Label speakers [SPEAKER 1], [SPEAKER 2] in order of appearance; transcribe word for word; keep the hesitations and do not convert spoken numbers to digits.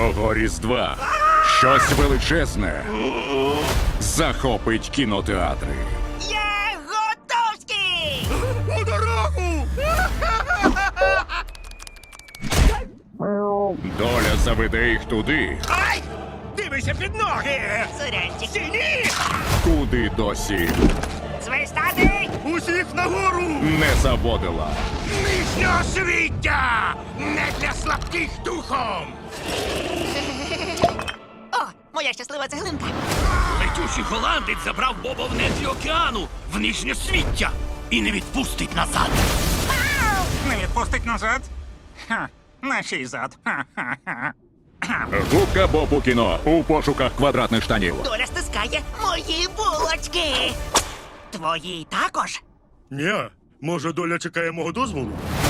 [SPEAKER 1] Цього Різдва щось величезне захопить кінотеатри.
[SPEAKER 2] Я готовський!
[SPEAKER 3] У дорогу!
[SPEAKER 1] Доля заведе їх туди,
[SPEAKER 3] Ай! Дивися під ноги!
[SPEAKER 2] Сурянчик.
[SPEAKER 3] Стіні!
[SPEAKER 1] куди досі
[SPEAKER 2] Свистати!
[SPEAKER 3] Усіх нагору!
[SPEAKER 1] не заводила.
[SPEAKER 3] Нижнього свіття! Не для слабких духом!
[SPEAKER 2] О, моя щаслива цеглинка.
[SPEAKER 4] Летючий голландець забрав Боба в нетрі океану, в нижнє свіття, і не відпустить назад.
[SPEAKER 5] Не відпустить назад? Ха, на чий зад? Ха-ха-ха.
[SPEAKER 1] Губка Боб у кіно у пошуках квадратних штанів.
[SPEAKER 2] Доля стискає мої булочки. Твої також?
[SPEAKER 3] Ні, може доля чекає мого дозволу?